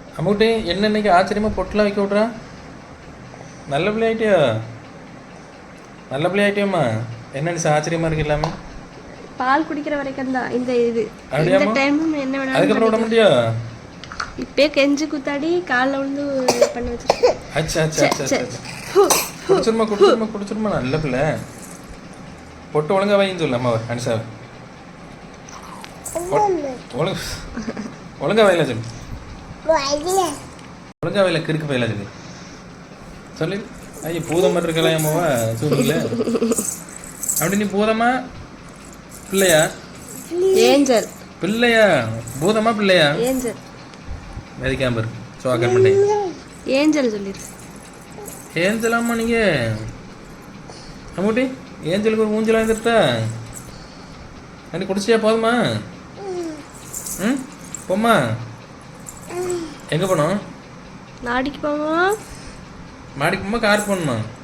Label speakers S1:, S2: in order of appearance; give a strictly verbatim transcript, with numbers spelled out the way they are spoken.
S1: அம்முட்டி என்ன இன்னைக்கு ஆச்சரியமாக பொட்டெலாம் வைக்க விட்றா. நல்ல பிள்ளை ஆகிட்டியா? நல்ல பிள்ளை ஆகிட்டியாம்மா? என்ன நிசா ஆச்சரியமாக இருக்கு எல்லாமே.
S2: பால் குடிக்கிற வரைக்கும் தான் இந்த இது. இந்த
S1: அப்படியாம்மா?
S2: டைம் என்ன வேணாலும்
S1: அதுக்கப்புறம் விட முடியா?
S2: இப்பயே கெஞ்சி குத்தாடி காலில் விழுந்து பண்ண வச்சிருக்கேன்.
S1: அச்சா அச்சா அச்சா அச்சா குடிச்சிருமா குடிச்சிருமா குடிச்சிருமா. நல்ல பிள்ளை. பொட்டு ஒழுங்கா வைன்னு சொல்லு அம்மாவை அனிஷாவை. ஒழுங்கு ஒழுங்கா வயல சொல்லு. ஒழுங்கா வயல கிறுக்கு வயல சொல்லு சொல்லு. ஐயோ பூதம் மாதிரி இருக்கலாம் அம்மாவா சூழ்நிலை. அப்படி நீ பூதமா பிள்ளையா?
S2: ஏஞ்சல்.
S1: பிள்ளையா? பூதமா பிள்ளையா?
S2: ஏஞ்சல்.
S1: வேதிக்காம்பர் சோகன் பண்ணி
S2: ஏஞ்சல் சொல்லிடு.
S1: ஏஞ்சலாமா நீங்கள்? அம்மூட்டி ஏஞ்சலுக்கு ஒரு ஊஞ்சலாக இருந்துட்டா அன்றைக்கி குடிச்சியா? போதுமா? ம் போம்மா. எங்கே போனோம்?
S2: நாடிக்கு போமா?
S1: மாடிக்கு போமா கார் போகணுமா?